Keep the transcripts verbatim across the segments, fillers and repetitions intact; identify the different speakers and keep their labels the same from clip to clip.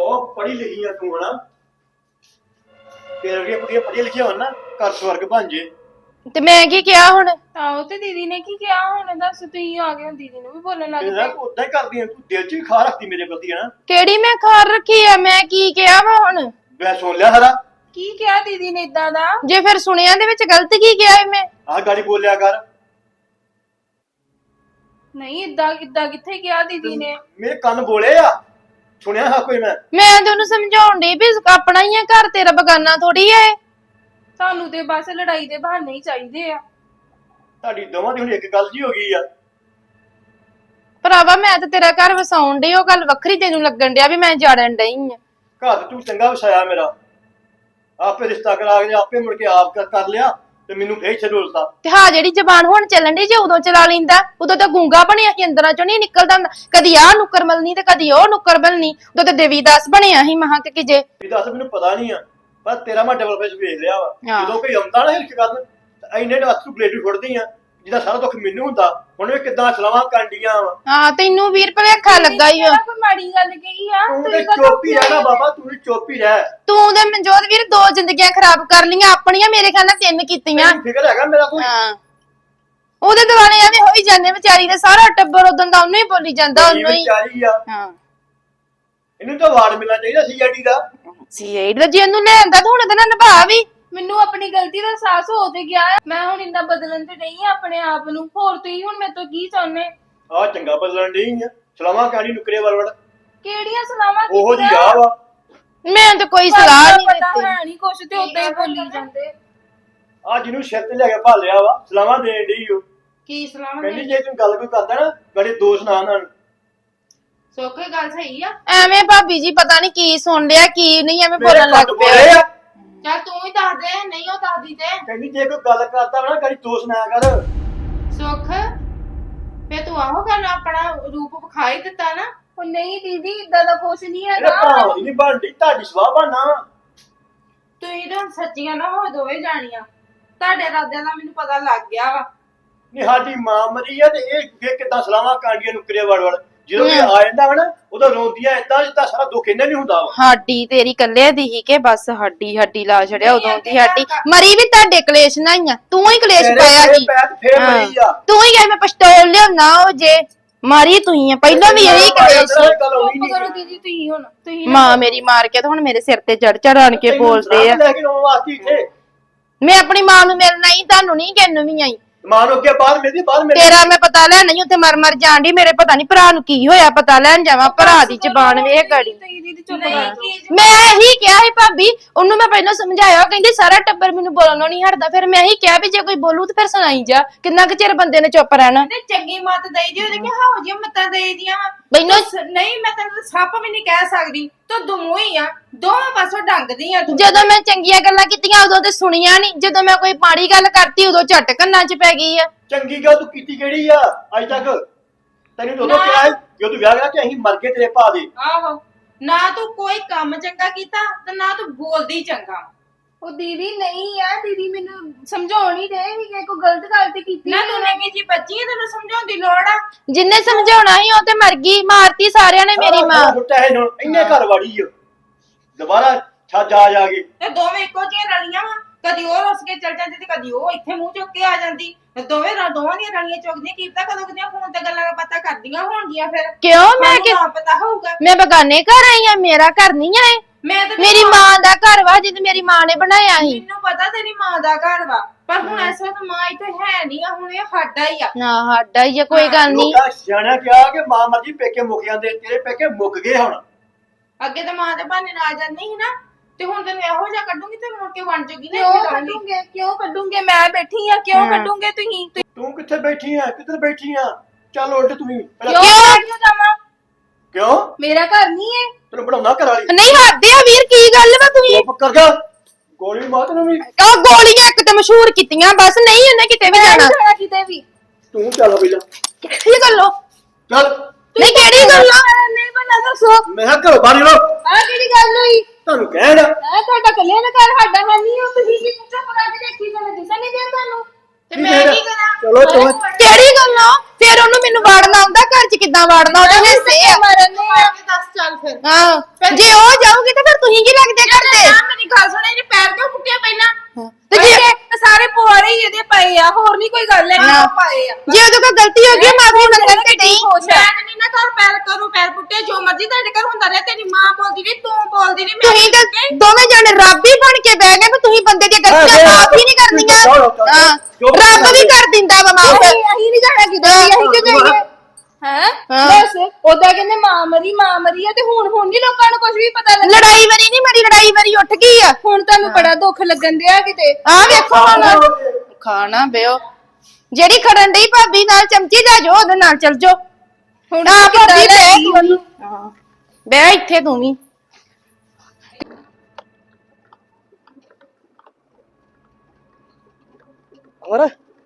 Speaker 1: ਬਹੁਤ ਪੜ੍ਹੀ ਲਿਖੀ ਆ ਤੂੰ ਹਨਾ ਤੇਰੇ ਵਰਗੀਆਂ ਕੁੜੀਆਂ ਪੜ੍ਹੀਆਂ ਲਿਖੀਆਂ ਹੋਣ ਨਾ ਘਰ ਸਵਰਗ ਬਣ ਜੇ।
Speaker 2: ਤੇ ਮੈਂ ਕੀ ਕਿਹਾ ਹੁਣ?
Speaker 3: ਆਹੋ ਤੇ ਦੀਦੀ ਨੇ ਕੀ ਕਿਹਾ ਹੁਣ ਦੱਸ ਤੁਸੀਂ ਆ ਗਏ ਹੋ ਦੀਦੀ ਨੂੰ ਵੀ ਬੋਲਣ ਲੱਗ
Speaker 1: ਤੇਰਾ
Speaker 3: ਪਏ।
Speaker 1: ਉਦਾਂ ਹੀ ਕਰਦੀ ਆ ਤੂੰ ਦਿਲ 'ਚ ਵੀ ਖਾ ਰੱਖਦੀ ਮੇਰੇ ਪ੍ਰਤੀ ਹਨਾ।
Speaker 2: ਕਿਹੜੀ ਮੈਂ ਖਾਰ ਰੱਖੀ ਆ? ਮੈਂ ਕੀ ਕਿਹਾ ਵਾ ਹੁਣ?
Speaker 1: ਮੈਂ ਸੁਣ ਲਿਆ ਸਾਰਾ।
Speaker 3: ਕੀ ਕਿਹਾ ਦੀਦੀ ਨੇ ਇਦਾਂ ਦਾ?
Speaker 2: ਜੇ ਫਿਰ ਸੁਣਿਆ ਦੇ ਵਿੱਚ ਗਲਤ ਕੀ ਕਿਹਾ ਏ ਮੈਂ?
Speaker 1: ਆਹ ਗਾੜੀ ਬੋਲਿਆ ਕਰ।
Speaker 3: ਨਹੀਂ ਇਦਾਂ ਇਦਾਂ ਕਿੱਥੇ ਕਿਹਾ ਦੀਦੀ ਨੇ?
Speaker 1: ਮੇਰੇ ਕੰਨ ਬੋਲੇ ਆ ਸੁਣਿਆ ਹਾਂ ਕੋਈ ਮੈਂ।
Speaker 2: ਮੈਂ ਤੇ ਉਹਨੂੰ ਸਮਝਾਉਣ ਡਈ ਵੀ ਆਪਣਾ ਹੀ ਆ ਘਰ, ਤੇਰਾ ਬਗਾਨਾ ਥੋੜੀ ਐ।
Speaker 3: ਤੁਹਾਨੂੰ ਤੇ ਬਸ ਲੜਾਈ ਦੇ ਬਹਾਨੇ ਹੀ ਚਾਹੀਦੇ ਆ।
Speaker 1: ਤੁਹਾਡੀ ਦੋਵਾਂ ਦੀ ਹੁਣ ਇੱਕ ਗੱਲ ਜੀ ਹੋ ਗਈ ਆ।
Speaker 2: ਭਰਾਵਾ ਮੈਂ ਤੇ ਤੇਰਾ ਘਰ ਵਸਾਉਣ ਡਈ, ਉਹ ਗੱਲ ਵੱਖਰੀ ਤੈਨੂੰ ਲੱਗਣ ਡਿਆ ਵੀ ਮੈਂ ਜਾੜਨ ਡਈ ਆ।
Speaker 1: ਘਰ ਤੂੰ ਚੰਗਾ ਵਸਾਇਆ ਮੇਰਾ, ਆਪੇ ਰਿਸ਼ਤਾ ਕਰਾ ਕੇ ਆਪੇ ਮੁੜ ਕੇ ਆਪ ਕਰ ਕਰ ਲਿਆ ਤੇ ਮੈਨੂੰ ਫੇਰ ਛਡੋਲਤਾ।
Speaker 2: ਤੇ ਹਾਂ ਜਿਹੜੀ ਜ਼ਬਾਨ ਹੁਣ ਚੱਲਣ ਡਈ ਜੇ ਉਦੋਂ ਚਲਾ ਲੈਂਦਾ, ਉਦੋਂ ਤਾਂ ਗੂੰਗਾ ਬਣਿਆ ਸੀ, ਅੰਦਰਾਂ ਚੋਂ ਨਹੀਂ ਨਿਕਲਦਾ ਹੁੰਦਾ। ਕਦੀ ਆਹ ਨੁੱਕਰ ਮਲਣੀ ਤੇ ਕਦੀ ਉਹ ਨੁੱਕਰ ਮਲਣੀ, ਉਦੋਂ ਤਾਂ ਦੇਵੀਦਾਸ ਬਣਿਆ ਸੀ ਮਹਾਂ ਕਿ ਜੇ।
Speaker 1: ਵੀ ਦੱਸ ਮੈਨੂੰ ਪਤਾ ਨਹੀਂ ਆ, ਪਰ ਤੇਰਾ ਮੈਂ ਡਬਲ ਫੇਸ ਵੇਖ ਲਿਆ ਵਾ।
Speaker 2: ਹਾਂ।
Speaker 1: ਜਦੋਂ ਕੋਈ ਆਉਂਦਾ ਨਾ ਹਿਲਕ ਕਰਨ ਤਾਂ ਇੰਨੇ ਹੱਥ ਨੂੰ ਪਲੇਟ ਫੁੱਟਦੀ ਆ ਜਿਹਦਾ ਸਾਰਾ ਦੁੱਖ ਮੈਨੂੰ ਹੁੰਦਾ। ਹੁਣ ਵੀ ਕਿੱਦਾਂ ਸਲਾਵਾਂ ਕਾਂਡੀਆਂ ਵਾ।
Speaker 2: ਹਾਂ ਤੈਨੂੰ ਵੀਰ ਭਲੇਖਾ ਲੱਗਾ ਹੀ ਆ।
Speaker 3: ਕੋਈ ਮਾੜੀ ਗੱਲ ਕਹੀ ਆ?
Speaker 1: ਤੂੰ ਤੇ
Speaker 3: ਤੁਸੀਂ ਕਦੋਂ
Speaker 1: ਚੁੱਪ ਹੀ ਰਹਿ ਨਾ ਬਾਬਾ, ਤੂੰ ਵੀ ਚੁੱਪ ਹੀ ਰਹਿ।
Speaker 2: ਤੂੰ ਤੇ ਮਨਜੋਤ ਵੀਰ ਦੋ ਜ਼ਿੰਦਗੀਆਂ ਖਰਾਬ ਕਰ ਲੀਆਂ ਆਪਣੀਆਂ, ਮੇਰੇ ਖਿਆਲ ਨਾਲ ਤਿੰਨ ਕੀਤੀਆਂ।
Speaker 1: ਮੈਨੂੰ ਫਿਕਰ ਹੈਗਾ ਮੇਰਾ ਕੋਈ।
Speaker 2: ਹਾਂ ਉਹਦੇ ਦੁਆਲੇ ਐਵੇਂ ਹੋਈ ਜਾਂਦੇ ਵਿਚਾਰੀ ਦੇ, ਸਾਰਾ ਟੱਬਰ ਉਦੋਂ ਦਾ ਉਹਨੂੰ ਹੀ ਬੋਲੀ ਜਾਂਦਾ, ਉਹਨੂੰ ਹੀ।
Speaker 1: ਵਿਚਾਰੀ ਆ,
Speaker 2: ਹਾਂ
Speaker 1: ਇਹਨੂੰ ਤਾਂ ਵਾਰਡ ਮਿਲਣਾ ਚਾਹੀਦਾ ਸੀ ਆਈਡੀ ਦਾ।
Speaker 2: ਸੀ ਏਡ ਦਾ ਜੇ ਉਹਨੂੰ ਲੈਂਦਾ ਤਾਂ ਹੁਣ ਇਹਦੇ ਨਾਲ ਨਿਭਾ ਵੀ।
Speaker 3: ਮੈਨੂੰ ਆਪਣੀ ਗਲਤੀ ਦਾ ਅਹਿਸਾਸ ਹੋ ਤੇ ਗਿਆ ਹੈ। ਮੈਂ ਹੁਣ ਇੰਨਾ ਬਦਲਣ ਤੇ ਨਹੀਂ ਆ ਆਪਣੇ ਆਪ ਨੂੰ। ਹੋਰ ਤੁਸੀਂ ਹੁਣ ਮੇਰੇ ਤੋਂ ਕੀ ਚਾਹੁੰਦੇ?
Speaker 1: ਆ ਚੰਗਾ ਬਦਲਣ ਡਈ ਆ, ਸਲਾਵਾਂ ਕਾਂਡੀ ਨੁਕਰੇ ਵਰਵੜ
Speaker 3: ਕਿਹੜੀਆਂ ਸਲਾਵਾਂ
Speaker 1: ਉਹੋ ਜੀ
Speaker 3: ਕੀਤੀਆਂ?
Speaker 1: ਆ ਵਾ।
Speaker 2: ਮੈਂ ਤਾਂ ਕੋਈ ਸਲਾਹ ਨਹੀਂ
Speaker 3: ਪਤਾ
Speaker 2: ਦਿੱਤੀ।
Speaker 3: ਹੈ ਨਹੀਂ ਕੁਛ ਤੇ ਉਦਾਂ ਹੀ ਬੋਲੀ ਜਾਂਦੇ।
Speaker 1: ਆ ਜਿਹਨੂੰ ਸਿਰ ਤੇ ਲੈ ਕੇ ਭਾਲਿਆ ਵਾ ਸਲਾਵਾਂ ਦੇਣ ਡਈ ਓ।
Speaker 3: ਕੀ ਸਲਾਹਾਂ
Speaker 1: ਕਹਿੰਦੀ ਜੇ ਤੂੰ ਗੱਲ ਕੋਈ ਕਰਦਾ ਨਾ ਗੜੇ ਦੋਸ਼ ਨਾ ਆਣ।
Speaker 3: ਸੋਖੇ ਗੱਲ ਸਹੀ ਆ।
Speaker 2: ਐਵੇਂ ਭਾਬੀ ਜੀ ਪਤਾ ਨਹੀਂ ਕੀ ਸੁਣ ਲਿਆ ਕੀ ਨਹੀਂ, ਐਵੇਂ
Speaker 1: ਮੇਰੇ
Speaker 2: ਬੋਲਣ ਲੱਗ
Speaker 1: ਕੰਨ
Speaker 2: ਪਿਆ।
Speaker 1: ਬੋਲੇ ਆ।
Speaker 3: ਚੱਲ ਤੂੰ ਹੀ ਦੱਸ ਦੇ, ਨਹੀਂ ਉਹ ਦੱਸਦੀ ਤੇ।
Speaker 1: ਕਹਿੰਦੀ ਜੇ ਕੋਈ ਗੱਲ ਕਰਦਾ ਵਾ ਨਾ ਗੜੀ ਦੋਸ਼ ਨਾ ਕਰ।
Speaker 3: ਸੁੱਖ ਫੇ ਤੂੰ ਆਹੋ ਗੱਲ ਆਪਣਾ ਰੂਪ ਵਿਖਾਈ ਦਿੱਤਾ ਨਾ। ਉਹ ਨਹੀਂ ਦੀਦੀ ਇਦਾਂ ਦਾ ਕੁਛ ਨਹੀਂ
Speaker 1: ਇਹਦਾ
Speaker 3: ਹੈਗਾ।
Speaker 1: ਭਾਵ ਨਹੀਂ ਬਣਦੀ, ਤੁਹਾਡੀ ਸਵਾਹ ਬਣਨਾ।
Speaker 3: ਤੁਸੀਂ ਤਾਂ ਸੱਚੀਆਂ ਨਾ ਹੋ ਦੋਵੇਂ ਜਾਣੀਆਂ। ਤੁਹਾਡੇ ਇਰਾਦਿਆਂ ਦਾ ਮੈਨੂੰ ਪਤਾ ਲੱਗ ਗਿਆ ਵਾ।
Speaker 1: ਨਹੀਂ ਸਾਡੀ ਮਾਂ ਮਰੀ ਆ ਤੇ ਇਹ ਵੇ ਕਿਦਾਂ ਸਲਾਵਾਂ ਕਾਂਡੀਆਂ ਨੁਕਰੇ ਵੜ ਵੜ ਜਦੋਂ ਇਹ ਆ ਜਾਂਦਾ ਵਾ ਨਾ ਉਦੋਂ ਰੋਂਦੀਆਂ ਏਦਾਂ ਜਿੱਦਾਂ ਸਾਰਾ ਦੁੱਖ ਇਹਨਾਂ ਨਹੀਂ ਹੁੰਦਾ ਵਾ।
Speaker 2: ਸਾਡੀ ਤੇਰੀ ਕੱਲੇ ਦੀ ਹੀ ਕਿ ਬਸ ਹੱਡੀ ਹੱਡੀ ਲਾ ਛੜਿਆ ਉਦੋਂ ਦੀ ਸਾਡੀ ਮਰੀ ਵੀ ਤੁਹਾਡੇ ਕਲੇਸ਼ ਨਾਲ ਹੀ ਆ। ਤੂੰ ਹੀ ਕਲੇਸ਼
Speaker 1: ਤੇਰੇ
Speaker 2: ਪਾਇਆ
Speaker 1: ਪੈਰ
Speaker 2: ਸੀ।
Speaker 1: ਪੈਰ ਫੇਰ ਮਰੀ ਆ।
Speaker 2: ਤੂੰ ਹੀ ਐਵੇਂ ਪਿਸਤੌਲ ਲਿਆਉਣਾ ਉਹ ਜੇ ਮਾਰੀ ਤੂੰ ਹੀ ਆ, ਪਹਿਲਾਂ ਵੀ ਇਹੀ ਕਲੇਸ਼ ਸੀ।
Speaker 1: ਗੱਲ ਹੋਈ
Speaker 3: ਚੁੱਪ ਕਰੋ
Speaker 1: ਨਹੀਂ।
Speaker 3: ਦੀਦੀ ਤੁਸੀਂ ਹੁਣ ਤੁਸੀਂ
Speaker 2: ਮਾਂ ਮੇਰੀ ਮਾਰ ਕੇ ਤਾਂ ਹੁਣ ਮੇਰੇ ਸਿਰ ਤੇ ਚੜ ਚੜਾਣ ਕੇ ਬੋਲਦੇ ਆ।
Speaker 1: ਲੈ ਕੇ ਰੋਣ ਵਾਸਤੇ ਇੱਥੇ
Speaker 2: ਮੈਂ ਆਪਣੀ ਮਾਂ ਨੂੰ ਮਿਲਣਾ ਹੀ, ਤੁਹਾਨੂੰ ਨਹੀਂ ਕਿੰਨੂੰ ਵੀ ਆਈ।
Speaker 1: ਮਾਂ ਨੂੰ ਅੱਗੇ ਬਾਹਰ ਮਿਲਦੀ ਬਾਹਰ ਮਿਲ
Speaker 2: ਤੇਰਾ ਮੈਂ ਪਤਾ ਲੈਣ ਨਹੀਂ ਉੱਥੇ ਮਰ ਮਰ ਜਾਣ ਡਈ। ਮੇਰੇ ਪਤਾ ਨਹੀਂ ਭਰਾ ਨੂੰ ਕੀ ਹੋਇਆ, ਪਤਾ ਲੈਣ ਜਾਵਾਂ। ਭਰਾ ਦੀ ਜ਼ਬਾਨ ਵੇਖ ਗੜੀ।
Speaker 3: ਤੁਸੀਂ ਦੀਦੀ ਚੁੱਪ ਕਰੋ।
Speaker 2: ਮੈਂ ਇਹੀ ਕਿਹਾ ਸੀ ਭਾਬੀ ਉਹਨੂੰ, ਮੈਂ ਪਹਿਲਾਂ ਸਮਝਾਇਆ, ਉਹ ਕਹਿੰਦੀ ਸਾਰਾ ਟੱਬਰ ਮੈਨੂੰ ਬੋਲਣੋਂ ਨਹੀਂ ਹਟਦਾ। ਫਿਰ ਮੈਂ ਇਹੀ ਕਿਹਾ ਵੀ ਜੇ ਕੋਈ ਬੋਲੂ ਤੇ ਫਿਰ ਸੁਣਾਈ ਜਾ। ਕਿੰਨਾ ਕੁ ਚਿਰ ਬੰਦੇ ਨੇ ਚੁੱਪ ਰਹਿਣਾ।
Speaker 3: ਤੇ ਚੰਗੀ ਮੱਤ ਦੇਈ ਜੀ, ਉਹਨੇ ਕਿਹਾ ਹੋ ਜੀ ਮੱਤਾਂ ਦੇਈ ਦੀਆਂ।
Speaker 2: ਮੈਨੂੰ
Speaker 3: ਨਹੀਂ ਮੈਂ ਤੈਨੂੰ ਸੱਪ ਵੀ ਨਹੀਂ ਕਹਿ ਸਕਦੀ, ਤੂੰ ਦਮੂ ਹੀ ਆ। ਦੋਵੇਂ ਪਾਸੋਂ ਡੰਗਦੀ ਆ ਤੂੰ।
Speaker 2: ਜਦੋਂ ਮੈਂ ਚੰਗੀਆਂ ਗੱਲਾਂ ਕੀਤੀਆਂ ਉਦੋਂ ਤੇ ਸੁਣੀਆਂ ਨਹੀਂ, ਜਦੋਂ ਮੈਂ ਕੋਈ ਮਾੜੀ ਗੱਲ ਕਰਤੀ ਉਦੋਂ ਝੱਟ ਕੰਨਾਂ 'ਚ ਪੈ ਗਈ ਆ।
Speaker 1: ਚੰਗੀ ਗੱਲ ਤੂੰ ਕੀਤੀ ਕਿਹੜੀ ਆ ਅੱਜ ਤੱਕ? ਤੈਨੂੰ ਤਾਂ ਉਦੋਂ ਕਿਹਾ ਸੀ ਜਦੋਂ ਤੂੰ ਵਿਆਹ ਗਿਆ ਕਿ ਅਸੀਂ ਮਰ ਗਏ ਤੇਰੇ ਭਾ ਦੇ।
Speaker 3: ਆਹੋ ਨਾ ਤੂੰ ਕੋਈ ਕੰਮ ਚੰਗਾ ਕੀਤਾ ਤੇ ਨਾ ਤੂੰ ਬੋਲਦੀ ਚੰਗਾ। ਉਹ ਦੀਦੀ ਨਹੀਂ ਆ, ਦੀਦੀ ਮੈਨੂੰ ਸਮਝਾਉਣੀ ਦੇ ਵੀ ਕੋਈ ਗਲਤ ਗੱਲ ਤੇ ਕੀਤੀ ਨਾ। ਤੂੰ ਨੇ ਜੀ ਬੱਚੀ ਤੈਨੂੰ ਸਮਝਾਉਣ ਦੀ ਲੋੜ ਆ।
Speaker 2: ਜਿੰਨੇ ਸਮਝਾਉਣਾ ਸੀ ਉਹ ਤੇ ਮਰ ਗਈ, ਮਾਰਤੀ ਸਾਰਿਆਂ ਨੇ ਮੇਰੀ ਮਾਂ।
Speaker 1: ਛੁੱਟਾ ਹੈ ਹੁਣ ਇੰਨੇ ਘਰ ਵਾੜੀ ਆ ਦੁਬਾਰਾ ਛੱਜ ਆ ਜਾ ਕੇ।
Speaker 3: ਤੇ ਦੋਵੇਂ ਇੱਕੋ ਜਿਹੀਆਂ ਰਲੀਆਂ ਵਾ। ਕਦੀ ਉਹ ਰੁੱਸ ਕੇ ਚੱਲ ਜਾਂਦੀ ਤੇ ਕਦੀ ਉਹ ਇੱਥੇ ਮੂੰਹ ਚੁੱਕ ਕੇ ਆ ਜਾਂਦੀ। ਤੇ ਦੋਵੇਂ ਦੋਵਾਂ ਦੀਆਂ ਰਲੀਆਂ ਚੁੱਕਦੀਆਂ, ਕੀ ਪਤਾ ਕਦੋਂ ਕਦੀਆਂ ਫੋਨ ਤੇ ਗੱਲਾਂ ਪਤਾ ਕਰਦੀਆਂ ਹੋਣਗੀਆਂ। ਫਿਰ
Speaker 2: ਕਿਉਂ ਮੈਂ ਕਿ
Speaker 3: ਨਾ ਪਤਾ ਹੋਊਗਾ।
Speaker 2: ਮੈਂ ਬਗਾਨੇ ਘਰ ਆਈ ਆ, ਮੇਰਾ ਘਰ ਨਹੀਂ ਆਏ।
Speaker 3: ਮੈਂ ਤਾਂ
Speaker 2: ਮੇਰੀ ਮਾਂ ਦਾ ਘਰ ਵਾ ਜਿੱਦ ਮੇਰੀ ਮਾਂ ਨੇ ਬਣਾਇਆ ਸੀ।
Speaker 3: ਮੈਨੂੰ ਪਤਾ ਤੇਰੀ ਮਾਂ ਦਾ ਘਰ ਵਾ, ਪਰ ਹੁਣ ਇਸ ਵਕਤ ਮਾਂ ਇੱਥੇ ਹੈ ਨਹੀਂ ਆ। ਹੁਣ ਇਹ ਸਾਡਾ ਹੀ ਆ।
Speaker 2: ਨਾ ਸਾਡਾ ਹੀ ਆ, ਕੋਈ ਗੱਲ ਨਹੀਂ।
Speaker 1: ਲੋਕਾਂ ਸਿਆਣਿਆਂ ਕਿਹਾ ਕਿ ਮਾਂ ਮਰਜੀ ਪੇਕੇ ਮੁੱਕ ਜਾਂਦੇ, ਤੇਰੇ ਪੇਕੇ ਮੁੱਕ ਗਏ ਹੁਣ।
Speaker 3: ਅੱਗੇ ਤਾਂ ਮਾਂ ਦੇ ਬਹਾਨੇ ਨਾਲ ਜਾਂਦੀ ਸੀ ਨਾ, ਤੇ ਹੁਣ ਤੈਨੂੰ ਇਹੋ ਜਿਹਾ ਕੱਢੂਗੀ ਤੇ ਮੁੜ ਕੇ ਬਣ ਜੂਗੀ ਨਾ।
Speaker 4: ਕਿਉਂ ਕੱਢੂਗੇ ਕਿਉਂ ਕੱਢੂਗੇ? ਮੈਂ ਬੈਠੀ ਆ, ਕਿਉਂ ਕੱਢੂਗੇ ਤੁਸੀਂ?
Speaker 1: ਤੂੰ ਕਿੱਥੇ ਬੈਠੀ ਆ? ਕਿੱਧਰ ਬੈਠੀ ਆ? ਚੱਲ ਉੱਠ ਤੂੰ ਵੀ।
Speaker 4: ਕਿਉਂ ਕਿਉਂ ਜਾਵਾਂ?
Speaker 1: ਕਿਉਂ
Speaker 4: ਮੇਰਾ ਘਰ ਨਹੀਂ ਹੈ।
Speaker 1: ਤੈਨੂੰ ਬਣਾਉਣਾ ਘਰ ਵਾਲੀ।
Speaker 2: ਨਹੀਂ ਹੱਦੇ ਆ ਵੀਰ, ਕੀ ਗੱਲ ਵਾ ਤੁਸੀਂ?
Speaker 1: ਚੁੱਪ ਕਰ ਜਾ, ਗੋਲੀ ਮਾਰ ਤੈਨੂੰ ਵੀ।
Speaker 2: ਉਹ ਗੋਲੀਆਂ ਇੱਕ ਤੇ ਮਸ਼ਹੂਰ ਕੀਤੀਆਂ, ਬਸ ਨਹੀਂ ਉਹਨੇ ਕਿਤੇ ਵੀ
Speaker 4: ਮੈਂ
Speaker 2: ਜਾਣਾ।
Speaker 4: ਨਹੀਂ ਜਾਣਾ ਕਿਤੇ ਵੀ।
Speaker 1: ਤੂੰ ਚੱਲ ਪਹਿਲਾਂ
Speaker 2: ਕਿਹੜੀ ਗੱਲੋਂ?
Speaker 1: ਚੱਲ।
Speaker 2: ਨਹੀਂ ਕਿਹੜੀ ਗੱਲੋਂ?
Speaker 4: ਨਹੀਂ ਬਣਾ ਦੱਸੋ
Speaker 1: ਮੈਂ ਕਿਹਾ ਘਰੋਂ ਬਾਹਰ ਨਿਕਲੋ।
Speaker 4: ਆਹ ਕਿਹੜੀ ਗੱਲ ਹੋਈ?
Speaker 1: ਤੁਹਾਨੂੰ ਕਹਿਣ
Speaker 4: ਆ ਤੁਹਾਡਾ ਕੱਲਿਆਂ ਦਾ ਘਰ, ਸਾਡਾ ਹੈ ਨਹੀਂ। ਉਹ ਤੁਸੀਂ ਕੀ ਚੁੱਪ ਕਰਕੇ ਦੇਖੀ ਜਾਂਦੇ, ਦਿਸਣ ਨਹੀਂ ਦਿਆ ਤੁਹਾਨੂੰ?
Speaker 3: ਤੇ ਮੈਂ ਕੀ ਕਰਾਂ?
Speaker 1: ਚਲੋ ਚਲੋ
Speaker 2: ਕਿਹੜੀ ਗੱਲੋਂ? ਫਿਰ ਉਹਨੂੰ ਮੈਨੂੰ ਵਾੜਨਾ ਆਉਂਦਾ, ਘਰ 'ਚ ਕਿੱਦਾਂ ਵਾੜਨਾ? ਉਹਦੇ ਹਿੱਸੇ ਆ।
Speaker 4: ਮਰਨ ਨੇ ਆ।
Speaker 3: ਦੱਸ ਚੱਲ ਫਿਰ
Speaker 2: ਹਾਂ ਜੇ ਉਹ ਜਾਊਗੀ ਤਾਂ ਫਿਰ ਤੁਸੀਂ ਕੀ ਲੱਗਦੇ ਕਰਦੇ
Speaker 3: ਨਾ ਮੇਰੀ ਗੱਲ ਸੁਣੇ ਇਹਨੇ ਪੈਰ ਕਿਉਂ ਫੁੱਟਿਆ ਪਹਿਲਾਂ
Speaker 2: ਤੇ ਜੇ
Speaker 3: ਤੇ ਸਾਰੇ ਪੁਆੜੇ ਹੀ ਇਹਦੇ ਪਏ ਆ ਹੋਰ ਨਹੀਂ ਕੋਈ ਗੱਲ ਹੈ
Speaker 2: ਹਾਂ।
Speaker 3: ਪਾਏ ਆ
Speaker 2: ਜੇ ਉਹਦੇ ਕੋਲ ਗਲਤੀ ਹੋ ਗਈ ਮਾਫੀ ਮੰਗਣ ਤੇ ਨਹੀਂ
Speaker 3: ਮੈਂ ਤੇ ਨਹੀਂ ਨਾ ਕਰ ਪੈਰ ਕਰੂ ਪੈਰ ਪੁੱਟੇ ਜੋ ਮਰਜ਼ੀ ਤੁਹਾਡੇ ਘਰ ਹੁੰਦਾ ਰਿਹਾ ਤੇਰੀ ਮਾਂ ਬੋਲਦੀ ਨਹੀਂ ਤੂੰ ਬੋਲਦੀ ਨਹੀਂ
Speaker 2: ਤੁਸੀਂ ਤਾਂ ਦੋਵੇਂ ਜਣੇ ਰੱਬ ਹੀ ਬਣ ਕੇ ਬਹਿ ਗਏ ਵੀ ਤੁਸੀਂ ਬੰਦੇ ਦੀਆਂ ਗਲਤੀਆਂ ਮਾਫ ਹੀ ਨਹੀਂ ਕਰਨੀਆਂ ਹਾਂ ਰੱਬ ਵੀ ਕਰ ਦਿੰਦਾ ਵਾ ਮਾਫ
Speaker 4: ਅਸੀਂ ਨਹੀਂ ਜਾਣਾ ਕਿਤੇ ਵੀ, ਅਸੀਂ ਕਿ ਜਾਈਏ ਹੈ
Speaker 2: ਹਾਂ।
Speaker 4: ਬਸ ਉਹਦਾ ਕਹਿੰਦੇ ਮਾਂ ਮਰੀ ਮਾਂ ਮਰੀ ਆ ਤੇ ਹੁਣ ਹੁਣ ਨਹੀਂ ਲੋਕਾਂ ਨੂੰ ਕੁਝ ਵੀ ਪਤਾ ਲੱਗਾ
Speaker 2: ਲੜਾਈ ਵਾਰੀ ਨਹੀਂ ਮਰੀ ਲੜਾਈ ਵਾਰੀ ਉੱਠ ਗਈ ਆ
Speaker 4: ਹੁਣ ਤੁਹਾਨੂੰ ਬੜਾ ਦੁੱਖ ਲੱਗਣ ਦਿਆ ਕਿਤੇ
Speaker 2: ਆ ਵੇਖੋ ਹੁਣ ਖਾਣਾ ਬਿਓ ਜਿਹੜੀ ਖੜਨ ਡਈ ਭਾਬੀ ਨਾਲ ਚਮਚੀ ਲੈ ਜਾਓ ਉਹਦੇ ਨਾਲ ਚੱਲ ਜਾਓ
Speaker 4: ਹੁਣ
Speaker 2: ਆ
Speaker 4: ਕਿੱਦਾਂ
Speaker 2: ਭਾਬੀ
Speaker 4: ਲੈ
Speaker 2: ਬਹਿ
Speaker 4: ਗਈ
Speaker 2: ਤੂੰ
Speaker 4: ਉਹਨੂੰ?
Speaker 2: ਹਾਂ ਬਹਿ ਇੱਥੇ ਤੂੰ ਵੀ
Speaker 5: ਹੋਰ